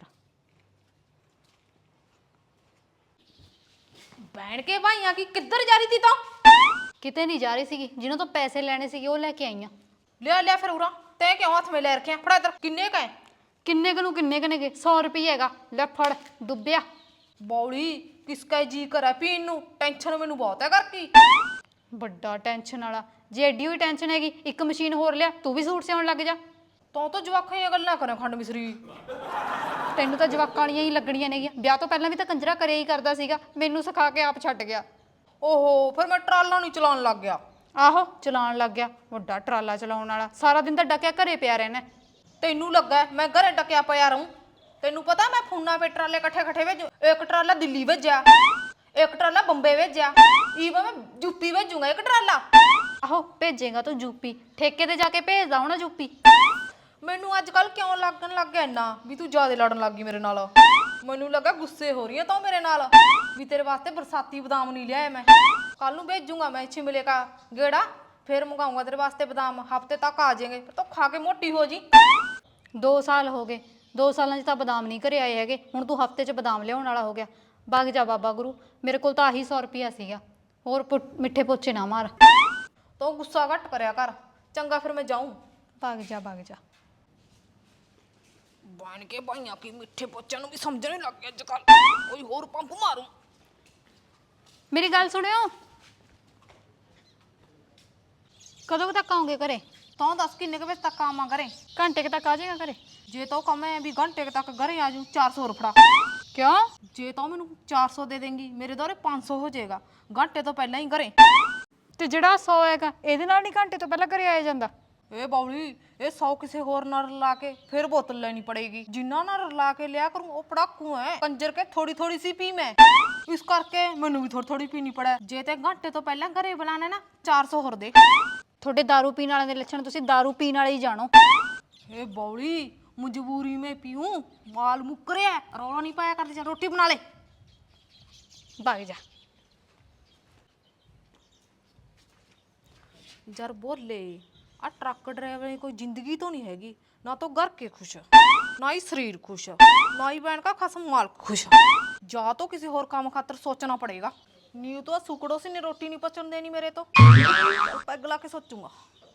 [SPEAKER 3] ਬੈਣ ਕੇ ਭਾਈਆਂ ਕੀ ਕਿੱਧਰ ਜਾ ਰਹੀ ਤੀ ਤਾਂ?
[SPEAKER 4] ਕਿਤੇ ਨਹੀਂ ਜਾ ਰਹੀ ਸੀਗੀ, ਜਿਹਨਾਂ ਤੋਂ ਪੈਸੇ ਲੈਣੇ ਸੀਗੇ ਉਹ ਲੈ ਕੇ ਆਈਆਂ।
[SPEAKER 3] ਲਿਆ ਲਿਆ ਫਿਰ ਉਰਾ, ਤੈਂ ਕਿਉਂ ਹੱਥ ਮੇ ਲੈ ਰੱਖਿਆ? ਫੜਾ ਇੱਧਰ, ਕਿੰਨੇ ਕਾ?
[SPEAKER 4] ਕਿੰਨੇ ਕੁ ਨੂੰ ਕਿੰਨੇ ਕੁ ਨੇਗੇ? ਸੌ ਰੁਪਏ ਹੈਗਾ, ਲੈ ਫੜ ਡੁੱਬਿਆ।
[SPEAKER 3] ਬੌਲੀ ਕਿਸਕਾ ਜੀ ਕਰਾ ਪੀਣ ਨੂੰ, ਟੈਨਸ਼ਨ ਮੈਨੂੰ ਬਹੁਤ ਹੈ ਕਰ ਕੀ।
[SPEAKER 4] ਵੱਡਾ ਟੈਨਸ਼ਨ ਵਾਲਾ, ਜੇ ਐਡੀ ਹੋਈ ਟੈਨਸ਼ਨ ਹੈਗੀ ਇੱਕ ਮਸ਼ੀਨ ਹੋਰ ਲਿਆ, ਤੂੰ ਵੀ ਸੂਟ ਸਿਉਣ ਲੱਗ ਜਾ।
[SPEAKER 3] ਤੂੰ ਤਾਂ ਜਵਾਕਾਂ ਦੀਆਂ ਗੱਲਾਂ ਕਰਾਂ ਖੰਡ ਮਿਸਰੀ।
[SPEAKER 4] ਤੈਨੂੰ ਤਾਂ ਜਵਾਕਾਂ ਵਾਲੀਆਂ ਹੀ ਲੱਗਣੀਆਂ ਨੇਗੀਆਂ, ਵਿਆਹ ਤੋਂ ਪਹਿਲਾਂ ਵੀ ਤਾਂ ਕੰਜਰਾ ਕਰਿਆ ਹੀ ਕਰਦਾ ਸੀਗਾ, ਮੈਨੂੰ ਸਿਖਾ ਕੇ ਆਪ ਛੱਡ ਗਿਆ।
[SPEAKER 3] ਓਹੋ ਫਿਰ ਮੈਂ ਟਰਾਲਾ ਨਹੀਂ ਚਲਾਉਣ ਲੱਗ ਗਿਆ।
[SPEAKER 4] ਆਹੋ ਚਲਾਉਣ ਲੱਗ ਗਿਆ, ਵੱਡਾ ਟਰਾਲਾ ਚਲਾਉਣ ਵਾਲਾ, ਸਾਰਾ ਦਿਨ ਤਾਂ ਡੱਕਿਆ ਘਰੇ ਪਿਆ ਰਹਿਣਾ।
[SPEAKER 3] ਤੈਨੂੰ ਲੱਗਾ ਮੈਂ ਘਰੇ ਟਕਿਆ ਪਿਆ ਰਹੂੰ? ਤੈਨੂੰ ਪਤਾ ਮੈਂ ਫੋਨਾਂ 'ਤੇ ਟਰਾਲੇ ਇਕੱਠੇ ਇਕੱਠੇ ਭੇਜੂ। ਇੱਕ ਟਰਾਲਾ ਦਿੱਲੀ ਭੇਜਿਆ, ਇੱਕ ਟਰਾਲਾ ਬੰਬੇ ਭੇਜਿਆ, ਈਵਨ ਮੈਂ ਯੂਪੀ ਭੇਜੂਗਾ ਇੱਕ ਟਰਾਲਾ।
[SPEAKER 4] ਆਹੋ ਭੇਜੇਗਾ ਤੂੰ ਯੂਪੀ, ਠੇਕੇ ਤੇ ਜਾ ਕੇ ਭੇਜਦਾ ਹੋਣਾ ਯੂਪੀ।
[SPEAKER 3] ਮੈਨੂੰ ਅੱਜ ਕੱਲ ਕਿਉਂ ਲੱਗਣ ਲੱਗ ਗਿਆ ਇੰਨਾ ਵੀ ਤੂੰ ਜ਼ਿਆਦਾ ਲੜਨ ਲੱਗ ਗਈ ਮੇਰੇ ਨਾਲ? ਮੈਨੂੰ ਲੱਗਾ ਗੁੱਸੇ ਹੋ ਰਹੀ ਹੈ ਤੂੰ ਮੇਰੇ ਨਾਲ ਵੀ ਤੇਰੇ ਵਾਸਤੇ ਬਰਸਾਤੀ ਬਦਾਮ ਨਹੀਂ ਲਿਆਇਆ ਮੈਂ। ਕੱਲ ਨੂੰ ਭੇਜੂਗਾ ਮੈਂ ਛਿਮਲੇ ਕਾ ਗੇੜਾ, ਫਿਰ ਮੰਗਾਉਂਗਾ ਤੇਰੇ ਵਾਸਤੇ ਬਦਾਮ, ਹਫਤੇ ਤੱਕ ਆ ਜਾਏਂਗੇ, ਫਿਰ ਤੂੰ ਖਾ ਕੇ ਮੋਟੀ ਹੋ ਜੀ।
[SPEAKER 4] ਦੋ ਸਾਲ ਹੋ ਗਏ, ਦੋ ਸਾਲਾਂ 'ਚ ਤਾਂ ਬਦਾਮ ਨਹੀਂ ਘਰੇ ਆਏ ਹੈਗੇ, ਹੁਣ ਤੂੰ ਹਫਤੇ 'ਚ ਬਦਾਮ ਲਿਆਉਣ ਵਾਲਾ ਹੋ ਗਿਆ। ਵਗ ਜਾ ਬਾਬਾ ਗੁਰੂ, ਮੇਰੇ ਕੋਲ ਤਾਂ ਆਹੀ ਸੌ ਰੁਪਿਆ ਸੀਗਾ, ਹੋਰ ਪੁੱਟ- ਮਿੱਠੇ ਪੋਚੇ ਨਾ ਮਾਰ।
[SPEAKER 3] ਤੂੰ ਗੁੱਸਾ ਘੱਟ ਕਰਿਆ ਕਰ, ਚੰਗਾ ਫਿਰ ਮੈਂ ਜਾਊਂ।
[SPEAKER 4] ਵਗ ਜਾ ਵਗ ਜਾ।
[SPEAKER 3] ਬਣ ਕੇ ਭਾਈਆਂ ਕੀ ਮਿੱਠੇ ਪੋਚਿਆਂ ਨੂੰ ਵੀ ਸਮਝਣੇ ਲੱਗ ਗਿਆ ਅੱਜ ਕੱਲ, ਕੋਈ ਹੋਰ ਪੰਪ ਮਾਰੂ।
[SPEAKER 4] ਮੇਰੀ ਗੱਲ ਸੁਣਿਓ, ਕਦੋਂ ਕੁ ਤੱਕ ਆਉਂਗੇ ਘਰੇ?
[SPEAKER 3] ਤੂੰ ਦੱਸ ਕਿੰਨੇ ਕੁ ਵਜੇ ਤੱਕ ਆਵਾਂ ਘਰੇ?
[SPEAKER 4] ਘੰਟੇ ਕੁ ਤੱਕ ਆ ਜਾਏਗਾ ਘਰੇ?
[SPEAKER 3] ਜੇ ਤੂੰ ਕਵੇਂ ਵੀ ਘੰਟੇ ਕੁ ਤੱਕ ਘਰੇ ਆ ਜੂ, ਚਾਰ ਸੌ ਰੁਪੜਾ।
[SPEAKER 4] ਕਿਉਂ?
[SPEAKER 3] ਜੇ ਤੂੰ ਮੈਨੂੰ ਚਾਰ ਸੌ ਦੇ ਦੇਂਗੀ ਮੇਰੇ ਦੋਰੇ ਪੰਜ ਸੌ ਹੋ ਜਾਏਗਾ, ਘੰਟੇ ਤੋਂ ਪਹਿਲਾਂ ਹੀ ਘਰੇ।
[SPEAKER 4] ਤੇ ਜਿਹੜਾ ਸੌ ਹੈਗਾ ਇਹਦੇ ਨਾਲ ਨਹੀਂ ਘੰਟੇ ਤੋਂ ਪਹਿਲਾਂ ਘਰੇ ਆਇਆ ਜਾਂਦਾ?
[SPEAKER 3] ਇਹ ਬੌਲੀ ਇਹ ਸੌ ਕਿਸੇ ਹੋਰ ਨਾਲ ਰਲਾ ਕੇ ਫਿਰ ਬੋਤਲ ਲੈਣੀ ਪੜੇਗੀ। ਜਿੰਨਾ ਨਾਲ ਰਲਾ ਕੇ ਲਿਆ ਕਰੂੰ ਉਹ ਪੜਾਕੂ ਹੈ ਕੰਜਰ ਕੇ, ਥੋੜੀ ਥੋੜੀ ਸੀ ਪੀ ਮੈਂ, ਇਸ ਕਰਕੇ ਮੈਨੂੰ ਵੀ ਥੋੜੀ ਥੋੜੀ ਪੀਣੀ ਪੜਾ। ਜੇ ਤੇ ਘੰਟੇ ਤੋਂ ਪਹਿਲਾਂ ਘਰੇ ਬੁਲਾਣਾ ਨਾ ਚਾਰ ਸੌ ਹੋਰ ਦੇ।
[SPEAKER 4] ਤੁਹਾਡੇ ਦਾਰੂ ਪੀਣ ਵਾਲਿਆਂ ਦੇ ਲੱਛਣ, ਤੁਸੀਂ ਦਾਰੂ ਪੀਣ ਵਾਲੇ ਹੀ ਜਾਣੋ।
[SPEAKER 3] ਇਹ ਬੌਲੀ ਮਜਬੂਰੀ में पीऊं, माल मुक रहा है, रौला नहीं पाया करते, चल रोटी बना ले।
[SPEAKER 4] भाग जा।
[SPEAKER 3] जर बोले आ ट्रक ड्राइवर की कोई जिंदगी तो नहीं हैगी, ना तो घर के खुश ना ही शरीर खुश, ना ही बहन का खसम माल खुश। जा तो किसी और काम खातर सोचना पड़ेगा, न्यू तो सुकड़ों से नहीं रोटी नहीं पचन देनी मेरे तो। पैग ला के सोचूंगा।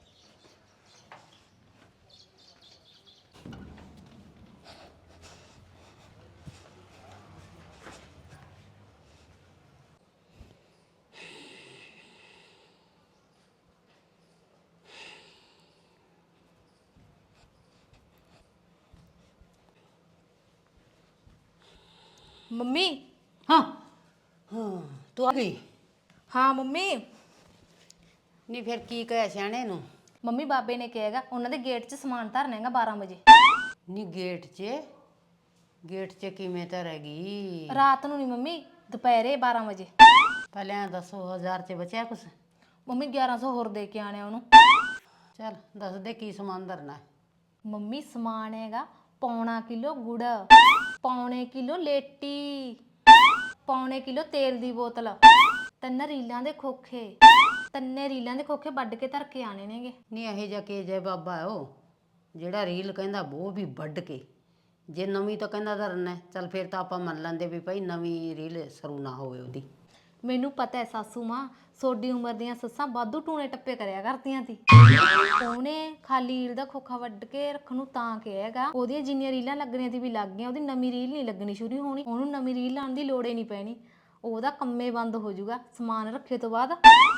[SPEAKER 3] मम्मी।
[SPEAKER 5] हाँ हाँ तू आ गई?
[SPEAKER 3] हाँ मम्मी।
[SPEAKER 5] नहीं फिर की कहे सियाने नू?
[SPEAKER 1] ਮੰਮੀ ਬਾਬੇ ਨੇ ਕਿਹਾਗਾ ਉਹਨਾਂ ਦੇ ਗੇਟ 'ਚ ਸਮਾਨ ਧਰਨਾ ਹੈਗਾ ਬਾਰਾਂ ਵਜੇ।
[SPEAKER 5] नहीं गेट च गेट च किवें धरेगी?
[SPEAKER 1] ਰਾਤ ਨੂੰ ਨਹੀਂ ਮੰਮੀ, ਦੁਪਹਿਰੇ ਬਾਰਾਂ ਵਜੇ।
[SPEAKER 5] पहले दसो हजार च बचा कुछ?
[SPEAKER 1] ਮੰਮੀ ਗਿਆਰਾਂ ਸੌ ਹੋਰ ਦੇ ਕੇ ਆਣੇ ਉਹਨੂੰ।
[SPEAKER 5] चल दस दे की समान धरना है?
[SPEAKER 1] ਮੰਮੀ ਸਮਾਨ ਹੈਗਾ ਪੌਣਾ ਕਿਲੋ ਗੁੜ, ਪੌਣੇ ਕਿਲੋ ਲੇਟੀ, ਪੌਣੇ ਕਿਲੋ ਤੇਲ ਦੀ ਬੋਤਲ, ਤਿੰਨ ਰੀਲਾਂ ਦੇ ਖੋਖੇ, ਤਿੰਨੇ ਰੀਲਾਂ ਦੇ ਖੋਖੇ ਵੱਢ ਕੇ ਧਰ ਕੇ ਆਣੇ ਨੇਗੇ।
[SPEAKER 5] नहीं यही जा के जय बाबा है वो ਜਿਹੜਾ ਰੀਲ ਕਹਿੰਦਾ ਉਹ ਵੀ ਵੱਢ ਕੇ, ਜੇ ਨਵੀਂ ਤਾਂ ਕਹਿੰਦਾ ਧਰਨਾ ਹੈ, ਚੱਲ ਫਿਰ ਤਾਂ ਆਪਾਂ ਮੰਨ ਲੈਂਦੇ ਵੀ ਭਾਈ ਨਵੀਂ ਰੀਲ ਸਰੂ ਨਾ ਹੋਵੇ ਉਹਦੀ।
[SPEAKER 1] ਮੈਨੂੰ ਪਤਾ ਹੈ ਸਾਸੂ ਮਾਂ, ਸੋਡੀ ਉਮਰ ਦੀਆਂ ਸੱਸਾਂ ਵਾਧੂ ਟੂਣੇ ਟੱਪੇ ਕਰਿਆ ਕਰਦੀਆਂ ਤੀ। ਉਹਨੇ ਖਾਲੀ ਰੀਲ ਦਾ ਖੋਖਾ ਵੱਢ ਕੇ ਰੱਖਣ ਨੂੰ ਤਾਂ ਕਿਹਾ ਹੈਗਾ, ਉਹਦੀਆਂ ਜਿੰਨੀਆਂ ਰੀਲਾਂ ਲੱਗਣੀਆਂ ਤੀ ਵੀ ਲੱਗ ਗਈਆਂ, ਉਹਦੀ ਨਵੀਂ ਰੀਲ ਨਹੀਂ ਲੱਗਣੀ ਸ਼ੁਰੂ ਹੋਣੀ, ਉਹਨੂੰ ਨਵੀਂ ਰੀਲ ਲਾਉਣ ਦੀ ਲੋੜ ਹੀ ਨਹੀਂ ਪੈਣੀ, ਉਹਦਾ ਕੰਮੇ ਬੰਦ ਹੋ ਜਾਊਗਾ ਸਮਾਨ ਰੱਖੇ ਤੋਂ ਬਾਅਦ।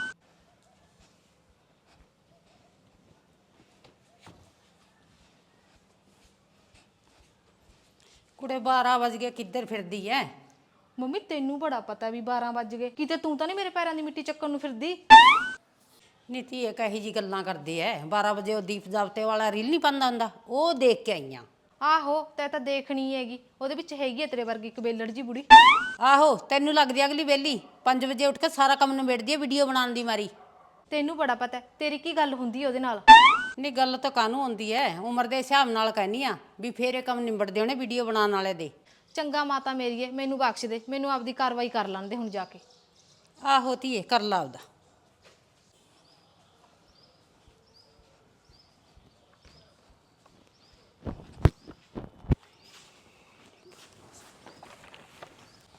[SPEAKER 5] ਕੁੜੇ ਬਾਰਾਂ ਵਜ ਗਏ, ਕਿੱਧਰ ਫਿਰਦੀ ਐ?
[SPEAKER 3] ਮੰਮੀ ਤੈਨੂੰ ਬੜਾ ਪਤਾ ਵੀ ਬਾਰਾਂ ਵੱਜ ਗਏ, ਕਿਤੇ ਤੂੰ ਤਾਂ ਨਹੀਂ ਮੇਰੇ ਪੈਰਾਂ ਦੀ ਮਿੱਟੀ ਚੱਕਣ ਨੂੰ ਫਿਰਦੀ?
[SPEAKER 5] ਨੀਤੀ ਇਹ ਕਹੀ ਜੀ ਗੱਲਾਂ ਕਰਦੇ ਐ। ਬਾਰਾਂ ਵਜੇ ਉਹ ਦੀਪ ਜਾਬਤੇ ਵਾਲਾ ਰੀਲ ਨਹੀਂ ਪਾਉਂਦਾ ਹੁੰਦਾ, ਉਹ ਦੇਖ ਕੇ ਆਈਆਂ।
[SPEAKER 3] ਆਹੋ ਤੈ ਤਾਂ ਦੇਖਣੀ ਹੈਗੀ, ਉਹਦੇ ਵਿੱਚ ਹੈਗੀ ਹੈ ਤੇਰੇ ਵਰਗੀ ਇੱਕ ਬੇਲੜ ਜੀ ਬੁੜੀ।
[SPEAKER 5] ਆਹੋ ਤੈਨੂੰ ਲੱਗਦੀ ਅਗਲੀ ਵੇਲੀ ਪੰਜ ਵਜੇ ਉੱਠ ਕੇ ਸਾਰਾ ਕੰਮ ਨਿਬੇੜਦੀ ਐ ਵੀਡੀਓ ਬਣਾਉਣ ਦੀ ਮਾਰੀ।
[SPEAKER 3] ਤੈਨੂੰ ਬੜਾ ਪਤਾ, ਤੇਰੀ ਕੀ ਗੱਲ ਹੁੰਦੀ ਹੈ ਉਹਦੇ ਨਾਲ?
[SPEAKER 5] ਨਹੀਂ ਗੱਲ ਤਾਂ ਕਾਹਨੂੰ ਹੁੰਦੀ ਐ, ਉਮਰ ਦੇ ਹਿਸਾਬ ਨਾਲ ਕਹਿੰਦੀ ਆ ਵੀ ਫੇਰ ਇਹ ਕੰਮ ਨਿਬੜਦੇ ਹੋਣੇ ਵੀਡੀਓ ਬਣਾਉਣ ਵਾਲੇ ਦੇ।
[SPEAKER 3] ਚੰਗਾ ਮਾਤਾ ਮੇਰੀਏ, ਮੈਨੂੰ ਬਖਸ਼ ਦੇ, ਮੈਨੂੰ ਆਪਦੀ ਕਾਰਵਾਈ ਕਰ ਲੈਣ ਦੇ ਹੁਣ ਜਾ ਕੇ।
[SPEAKER 5] ਆਹੋ ਧੀਏ ਕਰ ਲਾ ਉਹਦਾ।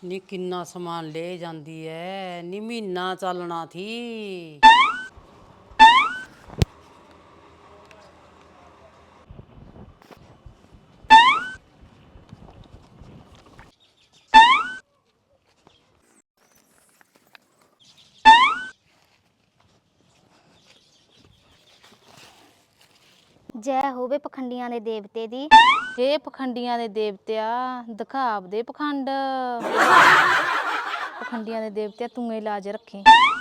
[SPEAKER 5] ਨੀ ਕਿੰਨਾ ਸਮਾਨ ਲੈ ਜਾਂਦੀ ਐ ਨੀ ਮਹੀਨਾ ਚੱਲਣਾ ਥੀ।
[SPEAKER 1] ਜੈ ਹੋਵੇ ਪਖੰਡੀਆਂ ਦੇ ਦੇਵਤੇ ਦੀ। ਹੇ ਪਖੰਡੀਆਂ ਦੇ ਦੇਵਤਿਆ ਦਿਖਾਵ ਦੇ ਪਖੰਡ। ਪਖੰਡੀਆਂ ਦੇ ਦੇਵਤਿਆ ਤੂੰ ਇਹ ਲਾਜ ਰੱਖੀ।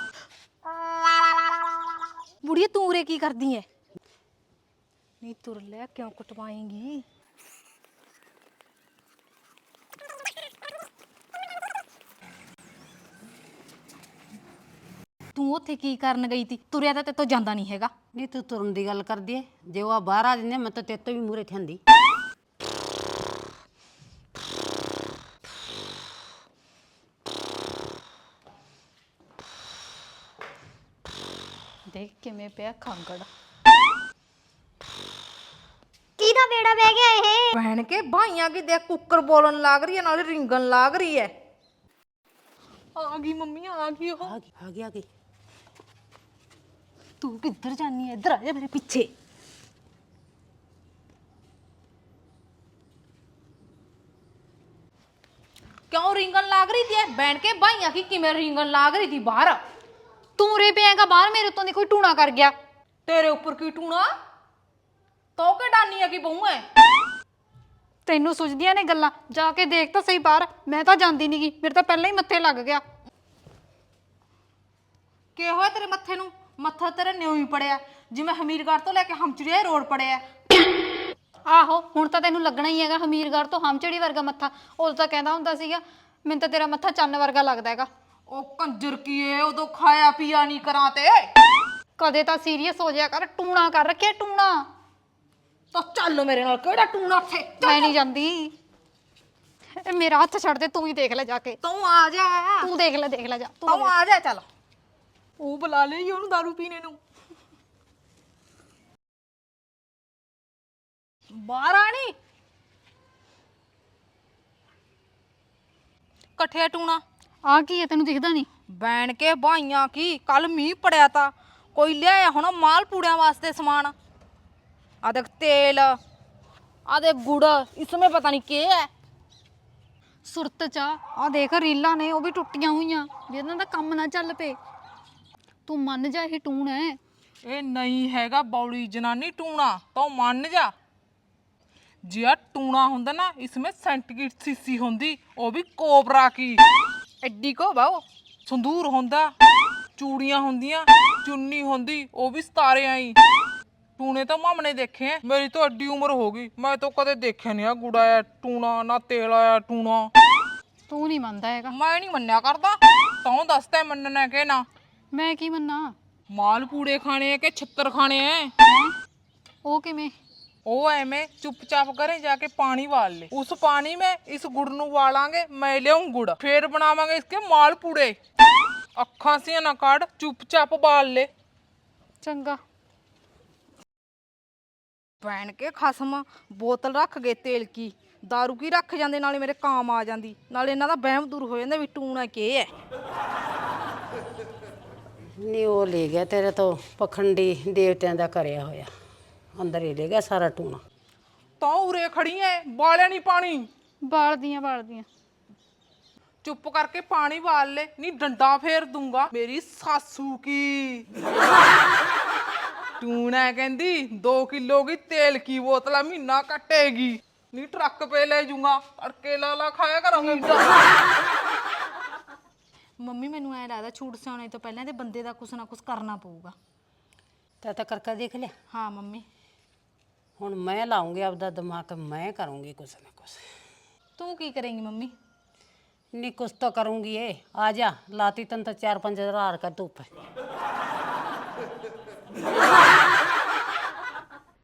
[SPEAKER 1] ਬੁੜੀਏ ਤੂੰ ਉਰੇ ਕੀ ਕਰਦੀ ਐ? ਨਹੀਂ ਤੁਰ ਲੈ, ਕਿਉਂ ਕੁਟਵਾਏਂਗੀ? ਤੂੰ ਉੱਥੇ ਕੀ ਕਰਨ ਗਈ ਤੀ? ਤੁਰਿਆ ਤਾਂ ਤੇਤੋਂ ਜਾਂਦਾ ਨਹੀਂ ਹੈਗਾ।
[SPEAKER 5] ਨੀ ਤੂੰ ਤੁਰਨ ਦੀ ਗੱਲ ਕਰਦੀ ਐ, ਜੇ ਉਹ ਬਾਹਰ ਆ ਜਾਂਦੇ ਮੈਂ ਤਾਂ ਤੇਰੇ ਤੋਂ ਵੀ ਮੂਰੇ ਥੰਦੀ।
[SPEAKER 4] ਦੇਖ ਕਿਵੇਂ ਪਿਆ ਖਾਂਗੜ।
[SPEAKER 2] ਕਿਹਦਾ ਬੇੜਾ ਬਹਿ ਗਿਆ ਇਹ?
[SPEAKER 3] ਭੈਣ ਕੇ ਭਾਈਆਂ ਕੀ ਦੇਖ ਕੁੱਕਰ ਬੋਲਣ ਲੱਗ ਰਹੀ ਹੈ ਨਾਲੇ ਰਿੰਗਣ ਲੱਗ ਰਹੀ ਹੈ। ਆ ਗਈ ਮੰਮੀ ਆ ਗਈ ਉਹ।
[SPEAKER 5] ਆ ਗਈ ਆ ਗਈ ਆ ਗਈ।
[SPEAKER 1] ਤੂੰ ਕਿੱਧਰ ਜਾਨੀ ਐ? ਇੱਧਰ ਆ ਜਾ ਮੇਰੇ ਪਿੱਛੇ।
[SPEAKER 3] ਕਿਉਂ ਰਿੰਗਣ ਲੱਗ ਰਹੀ ਤੀ? ਬੈਣ ਕੇ ਭਾਈਆਂ ਕੀ ਕਿਵੇਂ ਰਿੰਗਣ ਲੱਗ ਰਹੀ ਤੀ ਬਾਹਰ?
[SPEAKER 4] ਤੂੰ ਉਰੇ ਪਿਆਗਾ ਬਾਹਰ, ਮੇਰੇ ਉੱਤੋਂ ਦੀ ਕੋਈ ਟੂਣਾ ਕਰ ਗਿਆ।
[SPEAKER 3] ਤੇਰੇ ਉੱਪਰ ਕੀ ਟੂਣਾ? ਤੋ ਕੇ ਡਾਨੀ ਆ ਕੀ ਬਹੂ ਐ?
[SPEAKER 4] ਤੈਨੂੰ ਸੁਝਦੀਆਂ ਨੇ ਗੱਲਾਂ, ਜਾ ਕੇ ਦੇਖ ਤਾਂ ਸਹੀ ਬਾਹਰ। ਮੈਂ ਤਾਂ ਜਾਂਦੀ ਨੀ ਗੀ, ਮੇਰੇ ਤਾਂ ਪਹਿਲਾਂ ਹੀ ਮੱਥੇ ਲੱਗ ਗਿਆ।
[SPEAKER 3] ਕੀ ਹੋਇਆ ਤੇਰੇ ਮੱਥੇ ਨੂੰ? ਮੱਥਾ ਤੇਰਾ ਨਿਉ ਹੀ ਪੜਿਆ ਜਿਵੇਂ ਹਮੀਰਗੜ੍ਹ ਤੋਂ ਲੈ ਕੇ ਹਮਚੜੀਆ ਰੋਡ ਪੜਿਆ।
[SPEAKER 4] ਆਹੋ ਹੁਣ ਤਾਂ ਤੈਨੂੰ ਲੱਗਣਾ ਹੀ ਹੈਗਾ ਹਮੀਰਗੜ੍ਹ ਤੋਂ ਹਮਚੜੀ ਵਰਗਾ ਮੱਥਾ। ਉਦੋਂ ਤਾਂ ਕਹਿੰਦਾ ਹੁੰਦਾ ਸੀਗਾ ਮੈਨੂੰ ਤਾਂ ਤੇਰਾ ਮੱਥਾ ਚੰਨ ਵਰਗਾ ਲੱਗਦਾ ਹੈਗਾ।
[SPEAKER 3] ਉਹ ਕੰਜਰ ਕੀ ਏ, ਉਦੋਂ ਖਾਇਆ ਪੀਆ ਨਹੀਂ ਕਰਾਂ ਤੇ।
[SPEAKER 4] ਕਦੇ ਤਾਂ ਸੀਰੀਅਸ ਹੋ ਜਾਇਆ ਕਰ, ਟੂਣਾ ਕਰ ਰੱਖਿਆ ਟੂਣਾ।
[SPEAKER 3] ਤਾਂ ਚੱਲ ਮੇਰੇ ਨਾਲ, ਕਿਹੜਾ ਟੂਣਾ ਉੱਥੇ?
[SPEAKER 4] ਮੈਂ ਨਹੀਂ ਜਾਂਦੀ। ਇਹ ਮੇਰਾ ਹੱਥ ਛੱਡ ਦੇ, ਤੂੰ ਹੀ ਦੇਖ ਲੈ ਜਾ ਕੇ।
[SPEAKER 3] ਤੂੰ ਆ ਜਾ,
[SPEAKER 4] ਤੂੰ ਦੇਖ ਲੈ ਦੇਖ ਲੈ ਜਾ ਤੂੰ।
[SPEAKER 3] ਤੂੰ ਆ ਜਾ ਚੱਲ। ਉਹ ਬੁਲਾ ਲਈ ਉਹਨੂੰ ਦਾਰੂ ਪੀਣੇ ਨੂੰ। ਬਾਹਰ ਆਣੀ ਇਕੱਠੇ ਟੂਣਾ।
[SPEAKER 4] ਆ ਕੀ ਹੈ ਤੈਨੂੰ ਦਿਖਦਾ ਨਹੀਂ?
[SPEAKER 3] ਬੈਣ ਕੇ ਭਾਈਆਂ ਕੀ ਕੱਲ ਮੀਂਹ ਪੜਿਆ ਤਾ, ਕੋਈ ਲਿਆਇਆ ਹੁਣ ਮਾਲ ਪੂੜਿਆਂ ਵਾਸਤੇ ਸਮਾਨ। ਆ ਦੇਖ ਤੇਲ, ਆ ਦੇਖ ਗੁੜ, ਇਸਮੇ ਪਤਾ ਨਹੀਂ ਕੀ ਹੈ।
[SPEAKER 4] ਸੁਰਤ ਚਾ ਆ ਦੇਖ ਰੀਲਾਂ ਨੇ ਉਹ ਵੀ ਟੁੱਟੀਆਂ ਹੋਈਆਂ, ਜਿਹਨਾਂ ਦਾ ਕੰਮ ਨਾ ਚੱਲ ਪਏ। ਤੂੰ ਮੰਨ ਜਾ ਇਹ ਟੂਣ ਹੈ।
[SPEAKER 3] ਇਹ ਨਹੀਂ ਹੈਗਾ ਬੌਲੀ ਜਨਾਨੀ ਟੂਣਾ, ਤਾਂ ਮੰਨ ਜਾ। ਜੇ ਆ ਟੂਣਾ ਹੁੰਦਾ ਨਾ ਇਸਮੇ ਸੈਂਟੀਗ੍ਰੇਡ ਸੀਸੀ ਹੁੰਦੀ, ਉਹ ਵੀ ਕੋਬਰਾ ਕੀ ਐਡੀ ਕੋ ਬਾਓ। ਸੰਦੂਰ ਹੁੰਦਾ, ਚੂੜੀਆਂ ਹੁੰਦੀਆਂ, ਚੁੰਨੀ ਹੁੰਦੀ, ਉਹ ਵੀ ਸਤਾਰੇ ਆਈ। ਟੂਣੇ ਤਾਂ ਮਾਮਨੇ ਦੇਖੇ ਐ, ਮੇਰੀ ਤਾਂ ਐਡੀ ਉਮਰ ਹੋ ਗਈ, ਮੈਂ ਤਾਂ ਕਦੇ ਦੇਖਿਆ ਨਹੀਂ ਆ ਗੁੜ ਆਇਆ ਟੂਣਾ ਨਾ ਤੇਲ ਆਇਆ ਟੂਣਾ।
[SPEAKER 4] ਤੂੰ ਨਹੀਂ ਮੰਨਦਾ ਹੈਗਾ।
[SPEAKER 3] ਮੈਂ ਨਹੀਂ ਮੰਨਿਆ ਕਰਦਾ, ਤੂੰ ਦੱਸ ਤੈਂ ਮੰਨਣਾ ਕਿ ਨਾ?
[SPEAKER 4] ਮੈਂ ਕੀ ਮੰਨਾਂ?
[SPEAKER 3] ਮਾਲ ਪੂੜੇ ਖਾਣੇ ਐ ਕਿ ਛਿੱਤਰ ਖਾਣੇ ਐ?
[SPEAKER 4] ਹੈਂ? ਉਹ ਕਿਵੇਂ?
[SPEAKER 3] ਉਹ ਐਵੇਂ ਚੁੱਪਚਾਪ ਘਰੇ ਜਾ ਕੇ ਪਾਣੀ ਵਾਲ ले, उस पानी में इस गुड़ ਨੂੰ ਵਾਲਾਂਗੇ, मैं ਲਿਆऊं गुड़, फिर बनावांगे इसके माल पूड़े। ਅੱਖਾਂ ਸੀ ਨਾ ਕੱਢ, ਚੁੱਪਚਾਪ ਵਾਲ ले।
[SPEAKER 4] ਚੰਗਾ।
[SPEAKER 3] ਭੈਣ ਕੇ ਖਸਮ, ਬੋਤਲ ਰੱਖ ਗਏ ਤੇਲ ਕੀ, ਦਾਰੂ ਕੀ ਰੱਖ ਜਾਂਦੇ, ਨਾਲੇ ਮੇਰੇ ਕਾਮ ਆ ਜਾਂਦੀ, ਨਾਲੇ ਇਹਨਾਂ ਦਾ ਵਹਿਮ ਦੂਰ ਹੋ ਜਾਂਦਾ ਵੀ ਟੂਣਾ ਕੀ ਹੈ।
[SPEAKER 5] ਨੀ ਉਹ ਲੈ ਗਿਆ ਤੇਰੇ ਤੋਂ ਪਖੰਡੀ ਦੇਵਤਿਆਂ ਦਾ ਕਰਿਆ ਹੋਇਆ, ਅੰਦਰ ਹੀ ਲੈ ਗਿਆ ਸਾਰਾ ਟੂਣਾ।
[SPEAKER 3] ਤਾਂ ਉਰੇ ਖੜੀ ਐ, ਬਾਲਿਆ ਨਹੀਂ ਪਾਣੀ।
[SPEAKER 4] ਬਾਲਦੀਆਂ ਬਾਲਦੀਆਂ।
[SPEAKER 3] ਚੁੱਪ ਕਰਕੇ ਪਾਣੀ ਵਾਲ ਲੈ, ਨਹੀਂ ਡੰਡਾ ਫੇਰ ਦੂੰਗਾ। ਮੇਰੀ ਸਾਸੂ ਕੀ ਟੂਣਾ ਕਹਿੰਦੀ दो किलो की तेल की बोतल महीना कटेगी, नहीं ट्रक पे ले जूंगा, तड़के ला ला खाया करूंगी। ਮੰਮੀ ਮੈਨੂੰ ਐ ਲੱਗਦਾ ਛੂਟ ਸਿਆਉਣੇ ਤੋਂ ਪਹਿਲਾਂ ਤੇ ਬੰਦੇ ਦਾ ਕੁਛ ਨਾ ਕੁਛ ਕਰਨਾ ਪਊਗਾ।
[SPEAKER 5] ਤਾਂ ਤਾਂ ਕਰਕੇ ਦੇਖ ਲਿਆ।
[SPEAKER 3] ਹਾਂ ਮੰਮੀ।
[SPEAKER 5] ਹੁਣ ਮੈਂ ਲਾਉਂਗੀ ਆਪਦਾ ਦਿਮਾਗ, ਮੈਂ ਕਰੂੰਗੀ ਕੁਛ ਨਾ ਕੁਛ।
[SPEAKER 3] ਤੂੰ ਕੀ ਕਰੇਂਗੀ ਮੰਮੀ?
[SPEAKER 5] ਨੀ कुछ तो करूंगी ये, आ जा लाती तन तो चार पाँच हजार का धूप है।